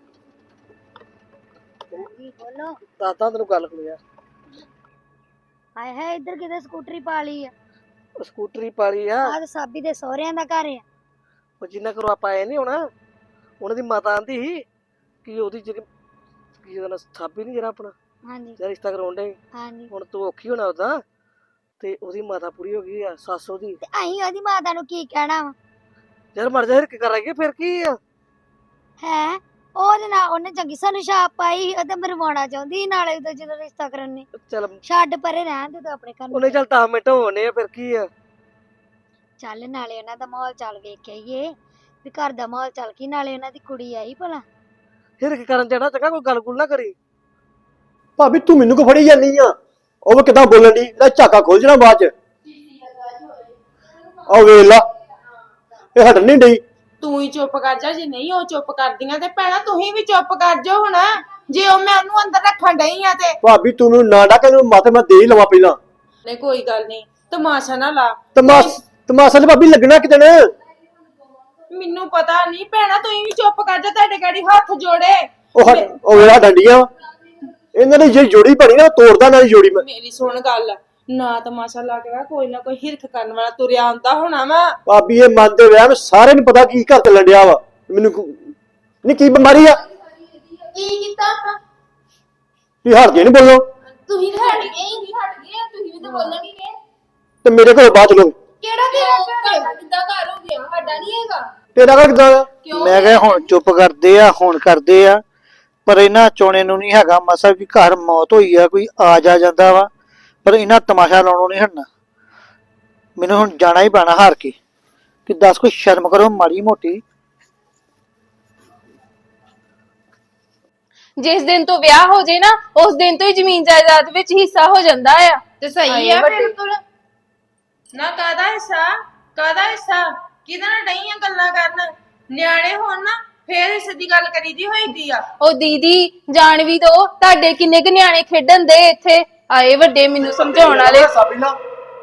Speaker 6: ਬੋਲੋ
Speaker 5: ਦਾਦਾ ਤੈਨੂੰ ਗੱਲ ਹੋਈ ਆ
Speaker 6: ਹਾਏ ਹਾਏ ਇੱਧਰ ਕਿਤੇ ਸਕੂਟਰੀ ਪਾ ਲਈ ਆ
Speaker 5: ਉਹ ਸਕੂਟਰੀ ਪਾਲੀ ਆ
Speaker 6: ਆਹ ਤਾਂ ਸਾਬੀ ਦੇ ਸਹੁਰਿਆਂ ਦਾ ਘਰ ਆ
Speaker 5: ਉਹ ਜਿੰਨਾ ਕਰੋ ਆਪਾਂ ਆਏ ਨਹੀਂ ਹੋਣਾ ਉਹਨਾਂ ਦੀ ਮਾਤਾ ਆਂਦੀ ਸੀ ਕਿ ਉਹਦੀ ਜਿਹੜੀ ਕੀ ਉਹਦਾ ਨਾਂ ਸਾਬੀ ਨਹੀਂ ਜਿਹੜਾ ਆਪਣਾ
Speaker 6: ਹਾਂਜੀ
Speaker 5: ਜਿਹੜਾ ਰਿਸ਼ਤਾ ਕਰਾਉਣ ਦੇ
Speaker 6: ਹਾਂਜੀ
Speaker 5: ਹੁਣ ਤੂੰ ਔਖੀ ਹੋਣਾ ਉਹਦਾ ਤੇ ਉਹਦੀ ਮਾਤਾ ਪੂਰੀ ਹੋ ਗਈ ਆ ਸੱਸ ਉਹਦੀ
Speaker 6: ਤੇ ਅਸੀਂ ਉਹਦੀ ਮਾਤਾ ਨੂੰ ਕੀ ਕਹਿਣਾ ਵਾ
Speaker 5: ਯਾਰ ਮਰ ਜਾ ਹਿਰਕ ਕਰਾਂਗੇ ਫਿਰ ਕੀ ਆ
Speaker 6: ਹੈ ਉਹਦੇ ਨਾਲ ਉਹਨੇ ਚੰਗੀ ਸਾਨੂੰ ਛਾਪ ਪਾਈ ਉਹ ਤੇ ਮਰਵਾਉਣਾ ਚਾਹੁੰਦੀ ਸੀ ਨਾਲੇ ਉਹਦਾ ਜਦੋਂ ਰਿਸ਼ਤਾ ਕਰਨ ਨੇ
Speaker 5: ਚੱਲ
Speaker 6: ਛੱਡ ਪਰੇ ਰਹਿਣ ਦੇ ਤੂੰ ਆਪਣੇ ਘਰ ਨੂੰ
Speaker 5: ਉਹਨੇ ਚੱਲ ਦਸ ਮਿੰਟ ਹੋਣੇ ਆ ਫਿਰ ਕੀ ਆ
Speaker 6: ਚੱਲ ਨਾਲੇ ਉਹਨਾਂ ਦਾ ਮਾਹੌਲ ਚੱਲ ਵੇਖ ਕੇ ਆਈਏ ਵੀ ਘਰ ਦਾ ਮਾਹੌਲ ਚੱਲ ਕੀ ਨਾਲੇ ਉਹਨਾਂ ਦੀ ਕੁੜੀ ਆਈ ਭਲਾ
Speaker 5: ਹਿਰਕ ਕਰਨ ਜਾਣਾ ਚੰਗਾ ਕੋਈ ਗੱਲ ਗੁੱਲ ਨਾ ਕਰੀ
Speaker 1: ਭਾਬੀ ਤੂੰ ਮੈਨੂੰ ਕੋ ਫੜੀ ਜਾਂਦੀ ਆ ਉਹ ਵੀ ਕਿਦਾਂ ਬੋਲਣ ਦੀ ਇਹਦਾ ਝਾਕਾ ਖੋਲ ਜਣਾ ਬਾਅਦ ਚ ਆ ਵੇਖ ਲਾ ਇਹ ਹਟਣ ਨਹੀਂ ਡਈ
Speaker 3: ਤੂੰ ਹੀ ਚੁੱਪ ਕਰ ਜਾ ਜੇ ਨਹੀਂ ਉਹ ਚੁੱਪ ਕਰਦੀਆਂ ਤੇ ਭੈਣਾ ਤੂੰ ਵੀ ਚੁੱਪ ਕਰ ਜਾ ਹੁਣ ਜੇ ਉਹ ਮੈਂ ਉਹਨੂੰ ਅੰਦਰ ਰੱਖਣ ਡਈ ਆ ਤੇ
Speaker 1: ਭਾਬੀ ਤੂੰ ਮੈਨੂੰ ਨਾ ਡਾਕੇ ਨੂੰ ਮਾਥੇ ਮੈਂ ਦੇ ਹੀ ਲਵਾਂ ਪਹਿਲਾਂ
Speaker 3: ਨਹੀਂ ਕੋਈ ਗੱਲ ਨਹੀਂ ਤਮਾਸ਼ਾ ਨਾ ਲਾ
Speaker 1: ਤਮਾਸ ਤਮਾਸਾ ਤੇ ਭਾਬੀ ਲੱਗਣਾ ਕਿਤੇ ਨੇ
Speaker 3: ਮੈਨੂੰ ਪਤਾ ਨਹੀਂ ਭੈਣਾ ਤੂੰ ਵੀ ਚੁੱਪ ਕਰ ਜਾ ਤੁਹਾਡੇ ਗਾੜੀ ਹੱਥ ਜੋੜੇ
Speaker 1: ਉਹ ਹਟ- ਉਹ ਵੇਲਾ ਡੰਡੀਆਂ ਇਹਨਾਂ ਦੀ ਜਿਹੜੀ ਜੋੜੀ ਬਣੀ ਨਾ ਉਹ ਤੋੜਦਾ ਨਾ ਜੋੜੀ ਮੈਂ
Speaker 3: ਮੇਰੀ ਸੁਣ ਗੱਲ ਨਾ ਤਮਾਸ਼ਾ ਲਾ ਕੇ ਵਾ ਕੋਈ ਨਾ ਕੋਈ ਹਿਰਖ ਕਰਨ ਵਾਲਾ ਤੁਰਿਆ ਆਉਂਦਾ ਹੋਣਾ ਵਾ
Speaker 1: ਭਾਬੀ ਇਹ ਮੰਨਦੇ ਵਿਆਹ ਮੈਂ ਸਾਰਿਆਂ ਨੂੰ ਪਤਾ ਕੀ ਘਰ ਚੱਲਣ ਡਿਆ ਵਾ ਮੈਨੂੰ ਨਹੀਂ ਕੀ ਬਿਮਾਰੀ ਆ
Speaker 4: ਕੀ ਕੀਤਾ ਆਪਾਂ
Speaker 1: ਵੀ ਹਟ ਜੇ ਨਹੀਂ ਬੋਲੋ
Speaker 4: ਤੁਸੀਂ ਤਾਂ ਹਟ ਗਏ ਹੀ ਨਹੀਂ ਹਟ ਗਏ ਤੁਸੀਂ ਵੀ ਤਾਂ ਬੋਲਣਗੇ
Speaker 1: ਤੇ ਮੇਰੇ ਘਰੋਂ ਬਾਅਦ ਚਲੋ
Speaker 4: ਕਿਹੜਾ ਤੇਰਾ ਘਰ ਹੈ ਕਿੱਦਾਂ ਘਰ ਹੋ ਗਿਆ ਸਾਡਾ ਨਹੀਂ ਹੈਗਾ
Speaker 1: ਤੇਰਾ ਘਰ ਕਿੱਦਾਂ ਆ
Speaker 5: ਮੈਂ ਕਿਹਾ ਹੁਣ ਚੁੱਪ ਕਰਦੇ ਆ ਹੁਣ ਕਰਦੇ ਆ ਪਰ ਇਹਨਾਂ ਚੋਣੇ ਨੂੰ ਨਹੀਂ ਹੈਗਾ ਮਸਾ ਕਿ ਘਰ ਮੌਤ ਹੋਈ ਆ ਕੋਈ ਆ ਜਾ ਜਾਂਦਾ ਵਾ ਪਰ ਇਹਨਾਂ ਤਮਾਸ਼ਾ ਲਾਉਣੋਂ ਨਹੀਂ ਹਟਣਾ ਮੈਨੂੰ ਹੁਣ ਜਾਣਾ ਹੀ ਪੈਣਾ ਹਾਰ ਕੇ ਕਿ ਦੱਸ ਕੋਈ ਸ਼ਰਮ ਕਰੋ ਮਾੜੀ ਮੋਟੀ
Speaker 4: ਜਿਸ ਦਿਨ ਤੋਂ ਵਿਆਹ ਹੋ ਜੇ ਨਾ ਉਸ ਦਿਨ ਤੋਂ ਹੀ ਜ਼ਮੀਨ ਜਾਇਦਾਦ ਵਿੱਚ ਹਿੱਸਾ ਹੋ ਜਾਂਦਾ ਆ
Speaker 2: ਤੇ ਸਹੀ ਆ ਬਿਲਕੁਲ
Speaker 3: ਨਾ ਕਾਦਾ ਹਿੱਸਾ ਕਾਦਾ ਹਿੱਸਾ ਕਿਹਦੇ ਨਾਲ ਡਈਆਂ ਗੱਲਾਂ ਕਰਨ ਨਿਆਣੇ ਹੋਣ ਨਾ ਫੇਰ ਇਸ ਦੀ ਗੱਲ ਕਰੀਦੀ ਹੋਈਦੀ ਆ
Speaker 4: ਉਹ ਦੀਦੀ ਜਾਣ ਵੀ ਦੋ ਤੁਹਾਡੇ ਕਿੰਨੇ ਕੁ ਨਿਆਣੇ ਖੇਡਣ ਦੇ ਇੱਥੇ ਆਏ ਵੱਡੇ ਮੈਨੂੰ ਸਮਝਾਉਣ ਵਾਲੇ
Speaker 1: ਸਾਬੀ ਨਾ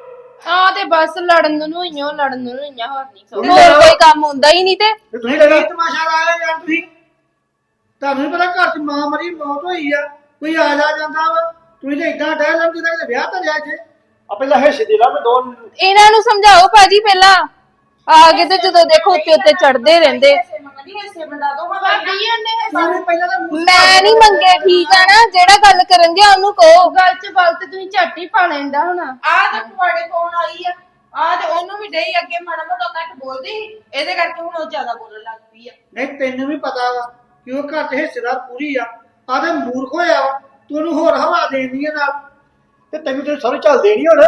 Speaker 2: ਆ ਤੇ ਬਸ ਲੜਨ ਨੂੰ ਹੀ ਆ ਲੜਨ ਨੂੰ ਹੀ ਆ ਹੋਰ ਨਹੀਂ
Speaker 4: ਹੋਰ ਕੋਈ ਕੰਮ ਹੁੰਦਾ ਹੀ ਨਹੀਂ ਤੇ
Speaker 1: ਤੁਸੀਂ ਲੈਣਾ
Speaker 7: ਤਮਾਸ਼ਾ ਲਾਇਆ ਯਾਰ ਤੁਸੀਂ ਤੁਹਾਨੂੰ ਨੀ ਪਤਾ ਘਰ ਚ ਮਾਂ ਮਰੀ ਮੌਤ ਹੋਈ ਆ ਕੋਈ ਆ ਜਾ ਜਾਂਦਾ ਵਾ ਤੁਸੀਂ ਤਾਂ ਇਦਾਂ ਡਹਿ ਲੰਮ ਜਿੱਦਾਂ ਕਿਤੇ ਵਿਆਹ ਤਾਂ ਲਿਆ ਇੱਥੇ
Speaker 1: ਆ ਪਹਿਲਾਂ ਹਿੱਸੇ ਦੇ ਲਾ ਮੈਂ ਦੋ
Speaker 4: ਇਹਨਾਂ ਨੂੰ ਸਮਝਾਓ ਭਾਜੀ ਪਹਿਲਾਂ ਆ ਕੇ ਤੇ ਜਦੋਂ ਦੇਖੋ ਉੱਤੇ ਉੱਤੇ ਚੜਦੇ ਰਹਿੰਦੇ
Speaker 3: ਮੰਗਦੀ ਹਿੱਸੇ ਬੰਦਾ ਦੋ ਹਾਂ ਭਾਬੀ
Speaker 7: ਸਾਨੂੰ ਪਹਿਲਾਂ ਤਾਂ ਮੂੰਹ
Speaker 4: ਮੈਂ ਨਹੀਂ ਮੰਗੇ ਠੀਕ ਆ ਨਾ ਜਿਹੜਾ ਗੱਲ ਕਰਨਗੇ ਉਹਨੂੰ ਕਹੋ
Speaker 2: ਗੱਲ ਚ ਬਲ ਤੇ ਤੁਸੀਂ ਝੱਟ ਹੀ ਪਾ ਲੈਂਦਾ ਹੁਣ
Speaker 3: ਆ ਤੇ ਤੁਹਾਡੇ ਕੋਲ ਆਈ ਆ ਆ ਤੇ ਉਹਨੂੰ ਵੀ ਡਈ ਅੱਗੇ ਮਾੜਾ ਮੋਟਾ ਘੱਟ ਬੋਲਦੀ ਸੀ ਇਹਦੇ ਕਰਕੇ ਹੁਣ ਉਹ ਜ਼ਿਆਦਾ ਬੋਲਣ ਲੱਗ ਪਈ ਆ
Speaker 7: ਨਹੀਂ ਤੈਨੂੰ ਵੀ ਪਤਾ ਵਾ ਕਿ ਉਹ ਘਰ ਚ ਹਿੱਸੇਦਾਰ ਪੂਰੀ ਆ ਆ ਤੇ ਮੂਰਖ ਹੋਇਆ ਵਾ ਤੂੰ ਉਹਨੂੰ ਹੋਰ ਹਵਾ ਦੇਣੀ ਆ ਨਾਲ
Speaker 1: ਤੇ ਤੈਨੂੰ ਤੇ ਸਾਰੇ ਚੱਲ ਦੇਣੀ ਹੁਣ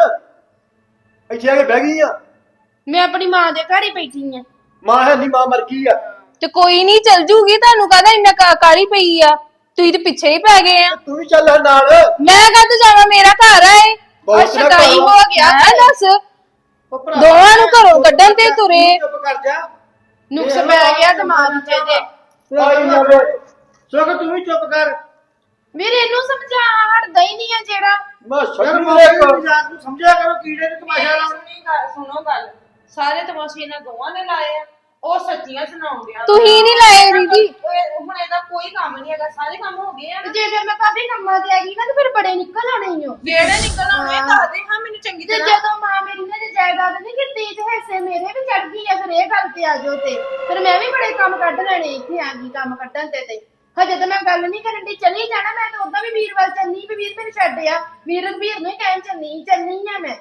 Speaker 1: ਇੱਥੇ ਆ ਕੇ ਬਹਿ ਗਈ ਆ
Speaker 2: ਮੈਂ ਆਪਣੀ ਮਾਂ ਦੇ ਘਰ ਹੀ ਬੈਠੀ ਆ
Speaker 1: ਮਾਂ ਹੈ ਨਹੀਂ ਮਾਂ ਮਰ ਗਈ ਆ
Speaker 4: ਤੇ ਕੋਈ ਨਹੀਂ ਚੱਲ ਜੂਗੀ ਤੁਹਾਨੂੰ ਕਹਦਾ ਇੰਨਾ ਕਾ- ਕਾਹਲੀ ਪਈ ਆ ਤੁਸੀਂ ਤੇ ਪਿੱਛੇ ਹੀ ਪੈ ਗਏ ਆ
Speaker 1: ਤੂੰ ਵੀ ਚੱਲ ਨਾਲ
Speaker 4: ਮੈਂ ਕਦ ਜਾਵਾਂ ਮੇਰਾ ਘਰ ਆ ਇਹ
Speaker 1: ਬਹੁਤ ਨਾ
Speaker 2: ਸ਼ਦਾਈ
Speaker 1: ਕਰੋ।
Speaker 2: ਹੋ ਗਿਆ
Speaker 4: ਮੈਂ ਦੱਸ
Speaker 7: ਉਹ ਭਰਾ
Speaker 4: ਦੋਵਾਂ ਨੂੰ ਘਰੋਂ ਕੱਢਣ ਤੇ ਤੁਰੇ
Speaker 7: ਚੁੱਪ ਕਰ ਜਾ
Speaker 2: ਨੁਕਸ ਪੈ ਗਿਆ ਦਿਮਾਗ ਚ ਇਹਦੇ
Speaker 1: ਆਈ ਜਾਵੇ
Speaker 7: ਸੋ ਤੂੰ ਵੀ ਚੁੱਪ ਕਰ
Speaker 2: ਵੀਰ ਇਹਨੂੰ ਸਮਝਾ ਹਟਦਾ ਹੀ ਨਹੀਂ ਆ ਜਿਹੜਾ
Speaker 1: ਮੈਂ
Speaker 7: ਯਾਰ
Speaker 1: ਸੱਚੀ
Speaker 7: ਮਾਂ
Speaker 1: ਇੱਕ
Speaker 7: ਨੂੰ ਮਜ਼ਾਕ ਨੂੰ ਸਮਝਿਆ ਕਰੋ ਕੀੜੇ ਨੂੰ ਤਮਾਸ਼ਾ ਲਾਉਣ
Speaker 3: ਸੁਣੀ ਗੱਲ ਸੁਣੋ ਗੱਲ ਸਾਰੇ ਤਮਾਸ਼ੇ ਇਹਨਾਂ ਦੋਵਾਂ ਨੇ ਲਾਏ ਆ ਉਹ ਸੱਚੀਆਂ ਸੁਣਾਉਂਦੇ ਆ
Speaker 4: ਤੁਸੀਂ ਨਹੀਂ ਲਾਏ ਦੀਦੀ
Speaker 3: ਹੁਣ ਇਹਦਾ ਕੋਈ ਕੰਮ ਨਹੀਂ ਹੈਗਾ ਸਾਰੇ ਕੰਮ ਹੋ ਗਏ ਆ
Speaker 2: ਤੇ ਜੇ ਫਿਰ ਮੈਂ ਭਾਬੀ ਕੰਮਾਂ ਤੇ ਆ ਗਈ ਨਾ ਤੇ ਫਿਰ ਬੜੇ ਨਿਕਲ ਆਣੇ ਹੀ ਹੋ
Speaker 3: ਵੇੜੇ ਨਿਕਲ ਆਉਣੇ ਦੱਸਦੇ ਹਾਂ ਮੈਨੂੰ ਚੰਗੀ
Speaker 2: ਤੇ
Speaker 3: ਤਰ੍ਹਾਂ
Speaker 2: ਜਦੋਂ ਮਾਂ ਮੇਰੀ ਨੇ ਤੇ ਜਾਇਦਾਦ ਨਹੀਂ ਕੀਤੀ ਤੇ ਹਿੱਸੇ ਮੇਰੇ ਵੀ ਚੜ ਗਈ ਆ ਫਿਰ ਇਹ ਗੱਲ ਤੇ ਆ ਜਾਓ ਤੇ ਫਿਰ ਮੈਂ ਵੀ ਬੜੇ ਕੰਮ ਕੱਢ ਲੈਣੇ ਇੱਥੇ ਆ ਗਈ ਕੰਮ ਕੱਢਣ ਤੇ ਤੇ ਹਜੇ ਤਾਂ ਮੈਂ ਗੱਲ ਨਹੀਂ ਕਰਨ ਦੀ ਚਲੀ ਜਾਣਾ ਮੈਂ ਤਾਂ ਉਦਾਂ ਵੀ ਵੀਰ ਵੱਲ ਚੱਲੀ ਵੀ ਵੀਰ ਮੈਨੂੰ ਛੱਡ ਆ ਵੀਰ ਵੀਰ ਨੂੰ ਹੀ ਕਹਿਣ ਚੱਲੀ ਚੱਲੀ ਆ ਮੈਂ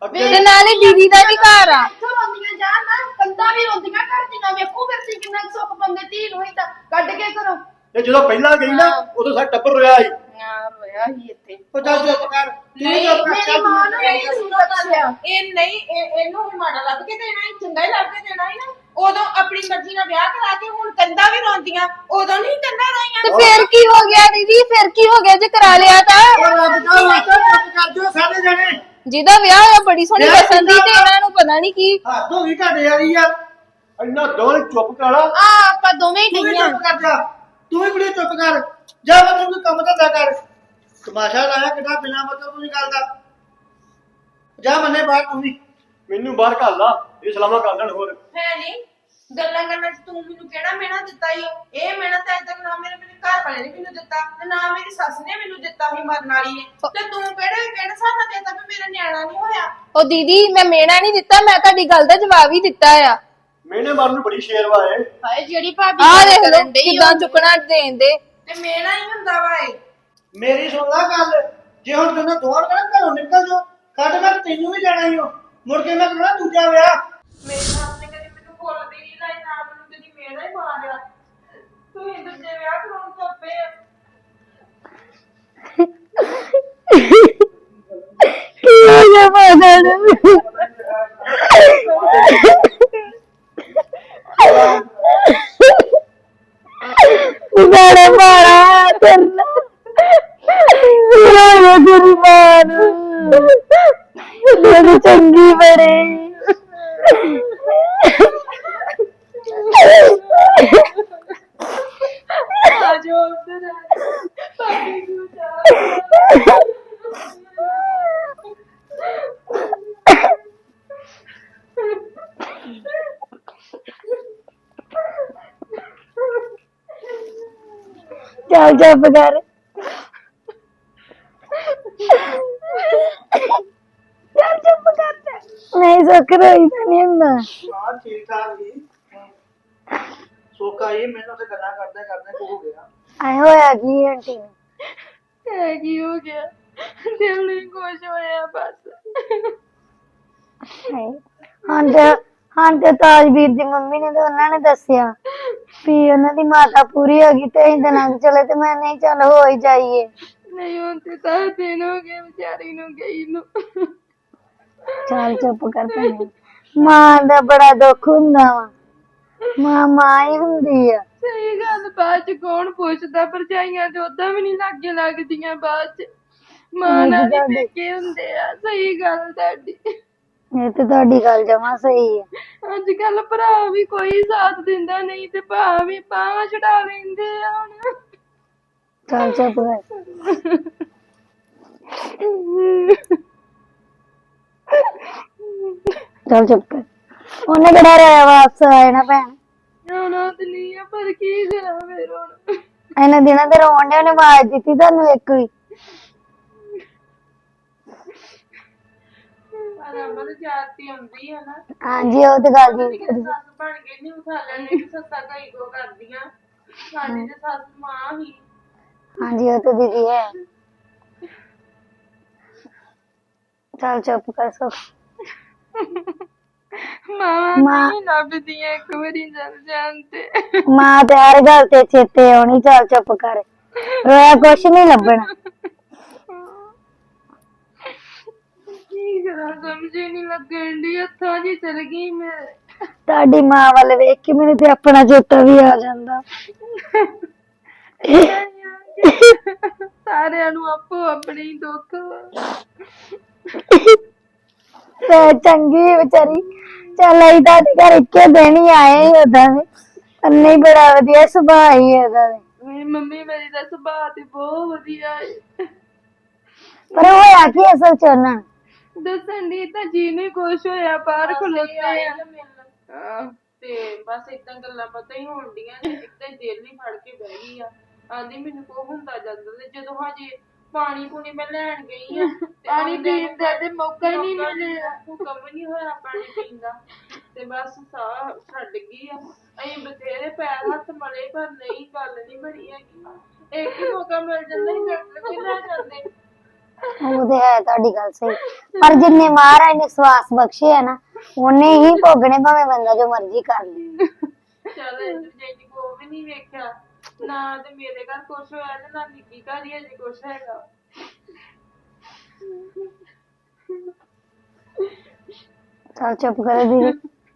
Speaker 4: ਤੇ ਨਾਲੇ ਦੀਦੀ ਦਾ ਵੀ ਘਰ ਆ।
Speaker 2: ਇੱਥੋਂ ਰੋਂਦੀਆਂ ਜਾਣ ਨਾ, ਕੰਧਾਂ ਵੀ ਰੋਂਦੀਆਂ ਘਰ ਦੀਆਂ। ਵੇਖੋ ਫਿਰ ਤੁਸੀਂ ਕਿੰਨਾ ਕੁ ਸੁੱਖ ਪਾਉਂਦੇ ਧੀ ਨੂੰ ਹੀ ਤਾਂ ਕੱਢ ਕੇ ਕਰੋ।
Speaker 1: ਤੇ ਜਦੋਂ ਪਹਿਲਾਂ ਗਈ ਨਾ ਉਦੋਂ ਸਾਡਾ ਟੱਬਰ ਰੋਇਆ ਸੀ।
Speaker 2: ਆ ਰੋਇਆ ਹੀ ਇੱਥੇ।
Speaker 7: ਉਹ ਚੱਲ ਚੁੱਪ ਕਰ ਤੂੰ
Speaker 3: ਨਹੀਂ,
Speaker 7: ਚੁੱਪ ਕਰ
Speaker 2: ਮੇਰੀ
Speaker 7: ਚੱਲ
Speaker 2: ਮਾਂ
Speaker 7: ਤੂੰ
Speaker 2: ਨੂੰ
Speaker 7: ਚੁੱਪ ਕਰ।
Speaker 2: ਨਹੀਂ ਸੁਣਦਾ ਦੱਸਿਆ।
Speaker 3: ਇਹ ਨਹੀਂ ਇਹ- ਇਹਨੂੰ ਹੀ ਮਾੜਾ ਲੱਭ ਕੇ ਦੇਣਾ ਹੀ, ਚੰਗਾ ਹੀ ਲੱਭ ਕੇ ਦੇਣਾ ਹੀ ਨਾ। ਉਦੋਂ ਆਪਣੀ ਮਰਜ਼ੀ ਨਾਲ ਵਿਆਹ ਕਰਾ ਕੇ ਹੁਣ ਕੰਧਾਂ ਵੀ ਰੋਂਦੀਆਂ, ਉਦੋਂ ਨਹੀਂ ਕੰਧਾਂ ਰੋਈਆਂ।
Speaker 4: ਤੇ ਫਿਰ ਕੀ ਹੋ ਗਿਆ ਦੀਦੀ? ਫਿਰ ਕੀ ਹੋ ਗਿਆ ਜੇ ਕਰਾ ਲਿਆ ਤਾਂ?
Speaker 7: ਉਹ ਰੱਬ ਦਾ ਵਾਸਤਾ ਚੁੱਪ ਕਰ ਜਾਓ ਸਾਰੇ ਜਣੇ।
Speaker 4: ਜਿਹਦਾ ਵਿਆਹ ਹੋਇਆ ਬੜੀ ਸੋਹਣੀ
Speaker 7: ਵਿਆਹ
Speaker 4: ਦੱਸਣ ਦੀ, ਤੇ
Speaker 7: ਕੀਤਾ
Speaker 4: ਇਹਨਾਂ ਨੂੰ ਪਤਾ ਨਹੀਂ ਕੀ।
Speaker 7: ਹੱਥ ਹੋ ਗਈ ਤੁਹਾਡੇ ਵਾਲੀ ਯਾਰ।
Speaker 1: ਇੰਨਾ ਦੋਵੇਂ ਚੁੱਪ ਕਰਾ ਲਾ।
Speaker 2: ਆ ਆਪਾਂ ਦੋਵੇਂ ਹੀ
Speaker 7: ਤੂੰ ਵੀ
Speaker 2: ਗਈਆਂ।
Speaker 7: ਚੁੱਪ ਕਰ ਜਾ। ਤੂੰ ਵੀ ਕੁੜੀ ਚੁੱਪ ਕਰ ਜਾ। ਮੈਂ ਤੈਨੂੰ ਕੰਮ ਧੰਦਾ ਕਰ। ਤਮਾਸ਼ਾ ਲਾਇਆ ਕਿੱਡਾ ਬਿਨਾਂ ਮਤਲਬ ਦੀ ਗੱਲ ਦਾ। ਜਾ ਮੰਨੇ ਬਾਹਰ ਤੂੰ ਵੀ।
Speaker 1: ਮੈਨੂੰ ਬਾਹਰ ਘੱਲ ਲਾ, ਇਹ ਸਲਾਮਾਂ ਕਰ ਦੇਣ ਹੋਰ।
Speaker 3: ਹੈ ਨਹੀਂ ਗੱਲਾਂ ਕਰਨ ਚ ਤੂੰ ਮੈਨੂੰ ਕਿਹੜਾ ਮਿਹਣਾ ਦਿੱਤਾ ਈ ਓ? ਇਹ ਮਿਹਣਾ ਤਾਂ ਅਜੇ ਤੱਕ ਨਾ ਮੇਰੇ ਮੇਰੇ ਘਰ ਵਾਲੇ ਨੇ ਮੈਨੂੰ ਦਿੱਤਾ ਤੇ ਨਾ ਮੇਰੀ ਸੱਸ ਨੇ ਮੈਨੂੰ ਦਿੱਤਾ ਸੀ ਮਰਨ ਵਾਲੀ ਨੇ। ਤੇ ਤੂੰ ਕਿਹੜੇ ਕਿਹੜੇ ਸਾਥਾਂ ਦੇ ਤੱਕ ਮੇਰਾ ਨਿਆਣਾ ਨਹੀਂ ਹੋਇਆ?
Speaker 4: ਉਹ ਦੀਦੀ ਮੈਂ ਮੇਣਾ ਨਹੀਂ ਦਿੱਤਾ, ਮੈਂ ਤੁਹਾਡੀ ਗੱਲ ਦਾ ਜਵਾਬ ਹੀ ਦਿੱਤਾ ਆ।
Speaker 1: ਮੈਨੇ ਮਾਰਨ ਨੂੰ ਬੜੀ ਸ਼ੇਰਵਾ ਏ।
Speaker 2: ਹਾਏ ਜਿਹੜੀ ਭਾਬੀ
Speaker 4: ਆਹ
Speaker 2: ਗੱਲ
Speaker 4: ਦੇਖ ਲਓ
Speaker 2: ਕਰਨ ਡਈ
Speaker 4: ਕਿੱਦਾਂ ਚੁੱਕਣਾ ਦੇਣ ਦੇ।
Speaker 3: ਤੇ ਮੇਰਾ ਹੀ ਹੁੰਦਾ ਵਾ ਇਹ।
Speaker 7: ਮੇਰੀ ਸੁਣ ਲੈ ਗੱਲ। ਜੇ ਹੁਣ ਤੈਨੂੰ ਦੋਵਾਂ ਨੂੰ ਘਰੋਂ ਨਿਕਲ ਜਾਓ, ਕੱਢ ਮੈਂ ਤੈਨੂੰ ਵੀ ਜਾਣਾ ਹੀ ਹੋ। ਮੁੜ ਕੇ ਮੈਂ ਕਹਣਾ ਦੂਜਾ ਵਿਆਹ।
Speaker 3: ਮੇਰੇ ਸੱਸ ਨੇ ਕਦੀ ਮੈਨੂੰ ਬੋਲਦੀ ਨਹੀਂ ਲਾਈ, ਨਾ ਮੈਨੂੰ ਕਦੀ ਮੇਰਾ ਹੀ ਮਾਰਿਆ। ਤੂੰ ਹੀ ਦੂਜੇ ਵਿਆਹ ਕਰਾਉਣ ਤੋਂ ਪਏ ਆ।
Speaker 6: ਕੀ ਹੋ ਗਿਆ ਮਾਤਾ ਨੂੰ? ਬੜਾ ਮਾਰਾ ਕਰਨਾ ਮੇਰਾ ਤੇਰੀ ਮਾਂ ਨੂੰ। ਮੇਰੀ ਚੰਗੀ ਬੜੇ।
Speaker 3: ਆ ਜਾਓ ਉੱਧਰ ਆ। ਭਾਬੀ ਨੂੰ ਜਾ।
Speaker 6: ਚੱਲ ਚੁੱਪ ਕਰ। ਚੱਲ ਚੁੱਪ ਕਰ ਜਾ। ਨਹੀਂ ਸੁੱਖ ਰੋਈ ਤਾਂ ਨਹੀਂ ਹੁੰਦਾ।
Speaker 7: ਹਾਂ ਠੀਕ ਠਾਕ ਜੀ। ਸੋਕਾ ਇਹ ਮੈਨੂੰ ਤੇ ਗੱਲਾਂ ਕਰਦੇ ਕਰਦੇ ਕੋ ਹੋ ਗਿਆ।
Speaker 6: ਆਏ ਹੋਇਆ ਕੀ ਆਂਟੀ ਨੂੰ?
Speaker 3: ਹੈ ਕੀ ਹੋ ਗਿਆ? ਦਿਲ ਨਹੀਂ ਖੁਸ਼ ਹੋਇਆ ਬਸ।
Speaker 6: ਹਾਏ। ਹਾਂ ਤੇ ਹਾਂ ਤੇ ਤਾਜਵੀਰ ਦੀ ਮੰਮੀ ਨੇ ਤੇ ਉਹਨਾਂ ਨੇ ਦੱਸਿਆ ਵੀ ਉਹਨਾਂ ਦੀ ਮਾਤਾ ਪੂਰੀ ਹੋ ਗਈ ਤੇ ਅਸੀਂ ਦਿਨਾਂ ਚ ਚਲੇ ਤੇ ਮੈਂ ਨਹੀਂ ਚੱਲ ਹੋ ਹੀ ਜਾਈਏ।
Speaker 3: ਨਹੀਂ ਹੁਣ ਤੇ ਤਾਂ ਦਿਨ ਹੋ ਗਏ ਵਿਚਾਰੀ ਨੂੰ ਗਈ ਨੂੰ।
Speaker 6: ਚੱਲ ਚੁੱਪ ਕਰ ਭੈਣੇ। ਮਾਂ ਦਾ ਬੜਾ ਦੁੱਖ ਹੁੰਦਾ ਵਾ। ਮਾਂ ਮਾਂ ਹੀ ਹੁੰਦੀ ਆ।
Speaker 3: ਸਹੀ ਗੱਲ, ਬਾਅਦ ਚ ਕੌਣ ਪੁੱਛਦਾ? ਭਰਜਾਈਆਂ ਤੇ ਓਦਾਂ ਵੀ ਨਹੀਂ ਲਾਗੇ ਲੱਗਦੀਆਂ ਬਾਅਦ ਚ। ਮਾਂ ਨਾਲ ਹੀ
Speaker 6: ਤੁਹਾਡੀ-
Speaker 3: ਪੇਕੇ ਹੁੰਦੇ ਆ। ਸਹੀ ਗੱਲ ਤੁਹਾਡੀ।
Speaker 6: ਇਹ ਤੇ ਤੁਹਾਡੀ ਗੱਲ ਜਮਾ ਸਹੀ ਆ।
Speaker 3: ਅੱਜ ਕੱਲ ਭਰਾ ਵੀ ਕੋਈ ਸਾਥ ਦਿੰਦਾ ਨਹੀਂ ਤੇ ਭਾ ਵੀ ਬਾਹਾਂ ਛਡਾ ਲੈਂਦੇ ਆ ਹੁਣ।
Speaker 6: ਚੱਲ ਚੁੱਪ ਕਰ। ਚੱਲ ਚੁੱਪ ਕਰ। ਉਹਨੇ ਕਿਹੜਾ ਰਾਇਆ ਵਾਪਸ ਆਏ ਨਾ ਭੈਣ।
Speaker 3: ਜਾਣਾ ਤੇ ਨਹੀਂ ਆ ਪਰ ਕੀ ਕਰਾਂ ਫਿਰ ਹੁਣ।
Speaker 6: ਇਹਨਾਂ ਦਿਨਾਂ ਤੇ ਰੋਣ ਡਿਆ। ਉਹਨੇ ਆਵਾਜ਼ ਦਿੱਤੀ ਤੁਹਾਨੂੰ ਇੱਕ ਵੀ?
Speaker 3: ਪਰ ਅਮਲ ਜਾਤੀ ਆਉਂਦੀ ਆ ਨਾ।
Speaker 6: ਹਾਂਜੀ ਉਹ ਤੇ ਗੱਲ ਜੀ।
Speaker 3: ਸੱਸ ਬਣ ਕੇ ਨਹੀਂ ਉਠਾ ਲੈਣੇ ਕਿ ਸੱਸਾਂ ਕਈ ਕੋ ਕਰਦੀਆਂ। ਸਾਡੀ ਤੇ ਸੱਸ ਮਾਂ ਹੀ।
Speaker 6: ਹਾਂਜੀ ਉਹ ਤੇ ਦੀਦੀ ਹੈ। ਚੱਲ ਚੁੱਪ ਕਰ ਸੋ।
Speaker 3: ਮਾਂ
Speaker 6: ਮਾਂ-
Speaker 3: ਨਹੀਂ ਲੱਭਦੀਆਂ ਇੱਕ ਵਾਰੀ ਜਲ ਜਾਣ ਤੇ।
Speaker 6: ਮਾਂ ਤੇ ਹਰ ਗੱਲ ਤੇ ਚੇਤੇ ਆਉਣੀ। ਚੱਲ ਚੁੱਪ ਕਰ। ਰੋਇਆ ਕੁਛ ਨਹੀਂ ਲੱਭਣਾ।
Speaker 3: ਕੀ ਕਰਾਂ ਸਮਝ ਹੀ ਨਹੀਂ ਲੱਗਣ ਦੀ। ਹੱਥਾਂ ਜੀ ਚਲ ਗਈ ਮੈਂ।
Speaker 6: ਤੁਹਾਡੀ ਮਾਂ ਵੱਲ ਵੇਖ ਕੇ ਮੈਨੂੰ ਤੇ ਆਪਣਾ ਚੇਤਾ ਵੀ ਆ ਜਾਂਦਾ।
Speaker 3: ਸਾਰਿਆਂ ਨੂੰ ਆਪੋ ਆਪਣੇ ਹੀ ਦੁੱਖ ਵਾ।
Speaker 6: ਤੇ ਚੰਗੀ ਵਿਚਾਰੀ। ਚੱਲ ਅਸੀਂ ਤੁਹਾਡੇ ਘਰ ਇੱਕੇ ਦਿਨ ਹੀ ਆਏ ਸੀ ਓਦਾਂ ਵੀ। ਪਰ ਨਹੀਂ ਬੜਾ ਵਧੀਆ ਸੁਭਾਅ ਹੀ ਉਹਦਾ ਵੀ।
Speaker 3: ਮੇਰੀ ਮੰਮੀ ਮੇਰੀ ਦਾ ਸੁਭਾਅ ਤੇ ਬਹੁਤ ਵਧੀਆ ਹੈ।
Speaker 6: ਪਰ ਹੋਇਆ ਕੀ ਅਸਲ ਚ ਉਹਨਾਂ ਨੂੰ?
Speaker 3: ਦੱਸਣ ਦੀ ਤਾਂ ਜੀ ਨਹੀਂ ਖੁਸ਼ ਹੋਇਆ ਬਾਹਰ ਖਲੋਤੇ ਆ। ਹਾਂ ਤੇ ਬਸ ਏਦਾਂ ਗੱਲਾਂ ਪਤਾ ਹੀ ਹੋਣ ਡੀਆਂ ਨੇ। ਏਦਾਂ ਹੀ ਦਿਲ ਨਹੀਂ ਫੜ ਕੇ ਬਹਿ ਗਈ ਆ। ਆਂਦੀ ਮੈਨੂੰ ਕੋ ਹੁੰਦਾ ਜਾਂਦਾ ਤੇ ਜਦੋਂ ਹਜੇ ਪਾਣੀ ਪੂਣੀ ਮੈਂ ਲੈਣ ਗਈ ਆ ਪਾਣੀ ਪੀਣ ਦਾ ਤੇ ਮੌਕਾ ਹੀ ਨਹੀਂ ਮਿਲਿਆ। ਹੁਕਮ ਨਹੀਂ ਹੋਇਆ ਪਾਣੀ ਪੀਣ ਦਾ ਤੇ ਬਸ ਸਾਹ ਛੱਡ ਗਈ ਆ। ਅਸੀਂ ਬਥੇਰੇ ਪੈਰ ਹੱਥ ਮਲੇ ਪਰ ਨਹੀਂ ਗੱਲ ਨਹੀਂ ਬਣੀ ਹੈਗੀ। ਇੱਕ ਹੀ ਮੌਕਾ ਮਿਲ ਜਾਂਦਾ ਸੀ ਡਾਕਟਰ ਕੇ ਲੈ ਜਾਂਦੇ।
Speaker 6: ਉਹ ਤੇ ਹੈ ਤੁਹਾਡੀ ਗੱਲ ਸਹੀ, ਪਰ ਜਿੰਨੇ ਮਹਾਰਾਜ ਨੇ ਸਵਾਸ ਬਖਸ਼ੇ ਆ ਨਾ ਉਹਨੇ ਹੀ ਭੋਗਣੇ, ਭਾਵੇਂ ਬੰਦਾ ਜੋ ਮਰਜ਼ੀ ਕਰ ਲੇ।
Speaker 3: ਚੱਲ ਇੰਦਰ ਜੀ ਕੋ ਵੀ ਨਹੀਂ ਵੇਖਿਆ ਨਾ, ਤੇ ਮੇਰੇ ਘਰ ਕੁਛ ਹੋਇਆ ਤੇ ਨਾ ਨਿੱਕੀ ਘਰ ਹੀ ਅਜੇ ਕੁਛ ਹੈਗਾ।
Speaker 6: ਚੱਲ ਚੁੱਪ ਕਰੋ ਦੀਦੀ।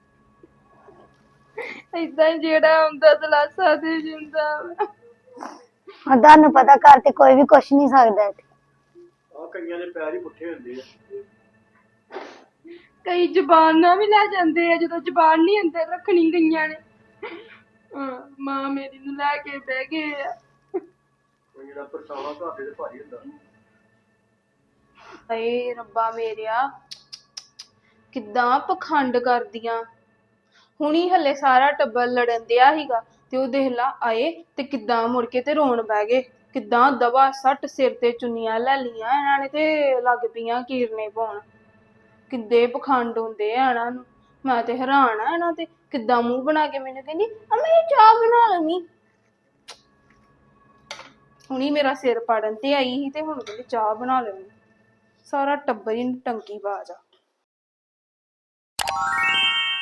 Speaker 4: ਏਦਾਂ ਹੀ ਜਿਹੜਾ ਹੁੰਦਾ ਦਲਾਸਾ ਦੇ ਜਿੰਦਾ।
Speaker 6: ਹਾਂ ਤੁਹਾਨੂੰ ਪਤਾ ਘਰ ਤੇ ਕੋਈ ਵੀ ਕੁਛ ਨਹੀਂ ਸਕਦਾ ਇੱਥੇ।
Speaker 1: ਆ ਕਈਆਂ ਦੇ ਪੈਰ ਹੀ ਪੁੱਠੇ ਹੁੰਦੇ ਆ।
Speaker 4: ਕਈ ਜ਼ਬਾਨ ਨਾਲ ਵੀ ਲੈ ਜਾਂਦੇ ਆ ਜਦੋਂ ਜ਼ਬਾਨ ਨਹੀਂ ਅੰਦਰ ਰੱਖਣੀ ਗਈਆਂ ਨੇ। ਹਾਂ, ਮਾਂ ਮੇਰੀ ਨੂੰ ਲੈ ਕੇ ਬਹਿ ਗਏ ਆ।
Speaker 1: ਕੋਈ ਜਿਹੜਾ ਪਰਛਾਵਾਂ ਘਰ ਦੇ ਤੇ ਭਾਰੀ ਹੁੰਦਾ।
Speaker 4: ਹਾਏ ਰੱਬਾ ਮੇਰਿਆ, ਕਿੱਦਾਂ ਪਖੰਡ ਕਰਦੀਆਂ। ਹੁਣੀ ਹੱਲੇ ਸਾਰਾ ਟੱਬਰ ਲੜਨ ਦਿਆ ਸੀਗਾ ਤੇ ਉਹ ਦੇਖ ਲਾ ਆਏ ਤੇ ਕਿੱਦਾਂ ਮੁੜ ਕੇ ਤੇ ਰੋਣ ਬਹਿ ਗਏ। ਕਿੱਦਾਂ ਦਵਾ ਸੱਟ ਸਿਰ ਤੇ ਚੁੰਨੀਆਂ ਲੈ ਲਈਆਂ ਇਹਨਾਂ ਨੇ ਤੇ ਲੱਗ ਪਈਆਂ ਕੀਰਨੇ ਪਾਉਣ। ਕਿੱਦੇ ਪਖੰਡ ਹੁੰਦੇ ਆ ਇਹਨਾਂ ਨੂੰ। ਮੈਂ ਤੇ ਹੈਰਾਨ ਆ ਇਹਨਾਂ ਤੇ, ਕਿੱਦਾਂ ਮੂੰਹ ਬਣਾ ਕੇ ਮੈਨੂੰ ਕਹਿੰਦੀ ਅਮੀ ਚਾਹ ਬਣਾ ਲਵੀਂ। ਹੁਣੀ ਮੇਰਾ ਸਿਰ ਪਾੜਨ ਤੇ ਆਈ ਸੀ ਤੇ ਹੁਣ ਕਹਿੰਦੀ ਚਾਹ ਬਣਾ ਲਵੀਂ। ਸਾਰਾ ਟੱਬਰ ਹੀ ਟੰਕੀ ਬਾਜ ਆ।